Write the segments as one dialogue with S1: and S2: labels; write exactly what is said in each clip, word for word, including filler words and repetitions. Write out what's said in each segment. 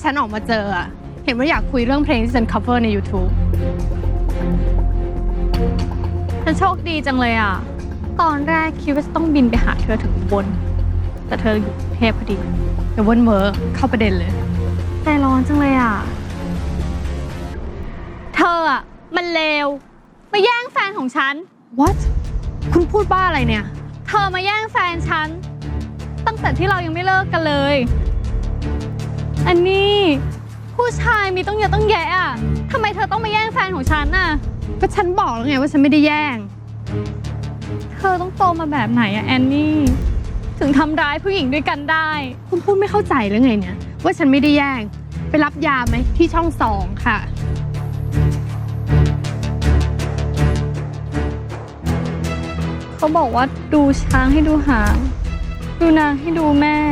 S1: ฉันออกมาเจออะเห็นว่าอยากคุยเรื่องเพลงที่ฉัน cover ใน YouTube
S2: ฉันโชคดีจังเลยอ่ะตอนแรกคิดว่าจะต้องบินไปหาเธอถึงบนแต่เธออยู่กรุงเทพพอดี
S1: เดี๋ยววนเวอร์เข้าประเด็นเลย
S2: ใจร้อนจังเลยอ่ะเธออ่ะมันเลวมาแย่งแฟนของฉัน
S1: what คุณพูดบ้าอะไรเนี่ย
S2: เธอมาแย่งแฟนฉันตั้งแต่ที่เรายังไม่เลิกกันเลยอันนี้ผู้ชายมีต้องเยอะต้องแยะอ่ะทำไมเธอต้องมาแย่งแฟนของฉันน่ะ
S1: ก็ฉันบอกแล้วไงว่าฉันไม่ได้แย่ง
S2: เธอต้องโตมาแบบไหนอะแอนนี่ถึงทำร้ายผู้หญิงด้วยกันได้
S1: คุณพูดไม่เข้าใจหรือไงเนี่ยว่าฉันไม่ได้แย่งไปรับยาไหมที่ช่องสองค่ะ
S2: เขาบอกว่าดูช้างให้ดูหางดูนางให้ดูแม่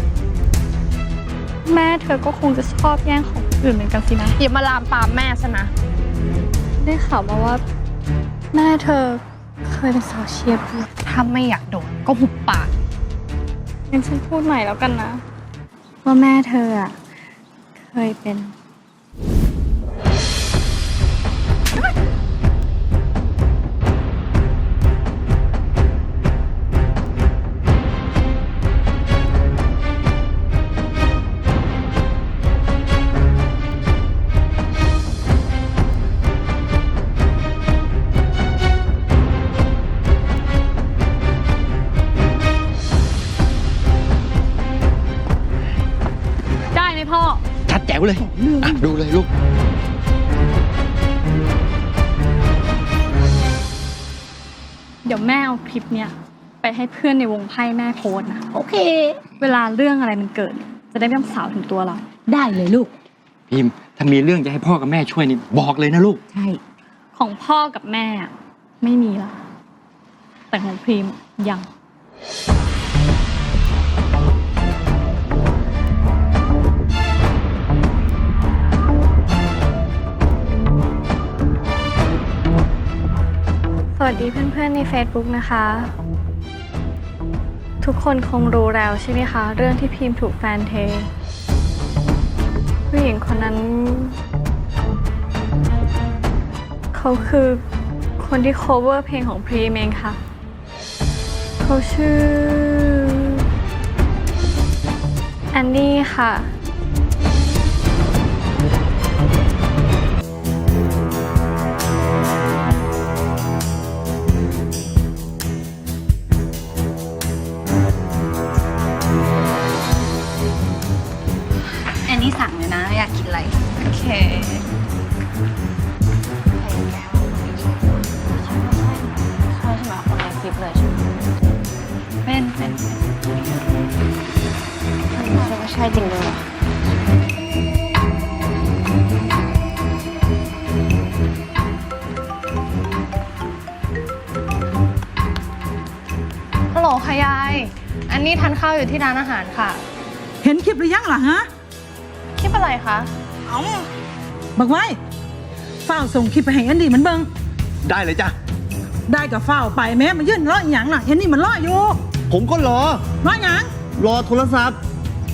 S2: แม่เธอก็คงจะชอบแย่งของอื่นเหมือนกันสินะ
S1: อย่ามาลามปามแม่ฉันนะ
S2: ได้ข่าวมาว่าแม่เธอเคยเป็นสาวเชียร์ด้วย
S1: ถ้าไม่อยากโดนก็หุบปาก
S2: งั้นฉันพูดใหม่แล้วกันนะว่าแม่เธออ่ะเคยเป็นพ่อ
S3: ชัดแจ๋วเลยอ่ะดูเลยลูก
S2: เดี๋ยวแม่เอาคลิปเนี้ยไปให้เพื่อนในวงไพ่แม่โพสนะ
S4: โอเค
S2: เวลาเรื่องอะไรมันเกิดจะได้ไม่ต้องสาวถึงตัวเรา
S4: ได้เลยลูก
S3: พิมพ์ถ้ามีเรื่องจะให้พ่อกับแม่ช่วยนี่บอกเลยนะลูก
S4: ใช่
S2: ของพ่อกับแม่ไม่มีละแต่ของพรีมยังสวัสดีเพื่อนๆใน Facebook นะคะ ทุกคนคงรู้แล้วใช่ไหมคะเรื่องที่พิมพ์ถูกแฟนเทผู้หญิงคนนั้นเขาคือคนที่ cover เพลงของพรีมเองค่ะเขาชื่อแอนนี่ค่ะ
S4: สั่งเลยนะอยากกินอะไร
S2: โอเค
S4: ใช่ใช่ไหมคนในคลิปเลยใช่ไหม
S2: เป็นเป็น
S4: ใช่ก็ใช่จริงด้วย
S1: ฮัลโหลค่ะยายอันนี้ทานข้าวอยู่ที่ร้านอาหารค่ะ
S5: เห็นคลิปหรือยังล่ะฮะ
S1: คลิปอะไรคะ
S5: เอาบอกไว้ฝ้าวส่งคลิปไปให้แอนดี้มันเบิ่ง
S3: ได้เลยจ้ะ
S5: ได้กับฝ้าวไปแม้มันยื่นรออีหยังล่ะแอนดี้มันรออยู่
S3: ผมก็รอ
S5: รอหยัง
S3: รอโทรศัพท์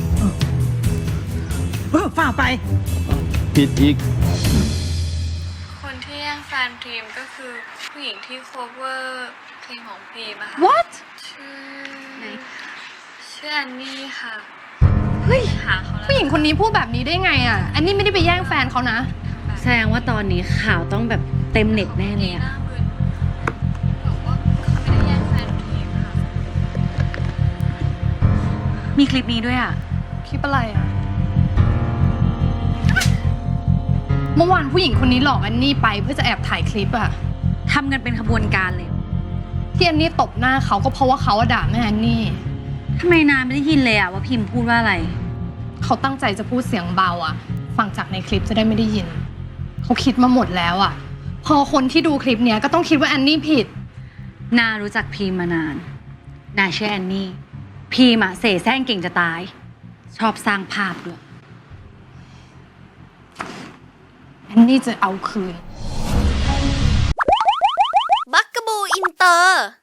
S5: เออฝ้าวไป
S3: ผิดอีก
S2: คนที่แย่งแฟนพรีมก็คือผู้หญิงที่ cover เพลงของพรีมอะค่ะ
S1: what
S2: ชื่อชื่อแอนนี่ค่ะ
S1: เฮ้ยผู้หญิงคนนี้พูดแบบนี้ได้ไงอ่ะอันนี้ไม่ได้ไปแย่งแฟนเขานะ
S4: แสดงว่าตอนนี้ข่าวต้องแบบเต็มเน็ตแน่เลยอะมีคลิปนี้ด้วยอ่ะ
S1: คลิปอะไรอ่ะเมื่อวานผู้หญิงคนนี้หลอกอันนี่ไปเพื่อจะแอบถ่ายคลิปอ่ะ
S4: ทำกันเป็นขบวนการเลย
S1: ที่อันนี่ตบหน้าเขาก็เพราะว่าเขาด่าแม่อันนี่
S4: ทำไมนานไม่ได้ยินเลยอะว่าพิมพ์พูดว่าอะไร
S1: เขาตั้งใจจะพูดเสียงเบาอะฟังจากในคลิปจะได้ไม่ได้ยินเขาคิดมาหมดแล้วอะพอคนที่ดูคลิปเนี้ยก็ต้องคิดว่าแอนนี่ผิด
S4: นารู้จักพิมมานานนาชื่อแอนนี่พิมอะเสแสร้งเก่งจะตายชอบสร้างภาพด้วย
S1: แอนนี่จะเอาคืน
S6: บักกะบูอินเตอร์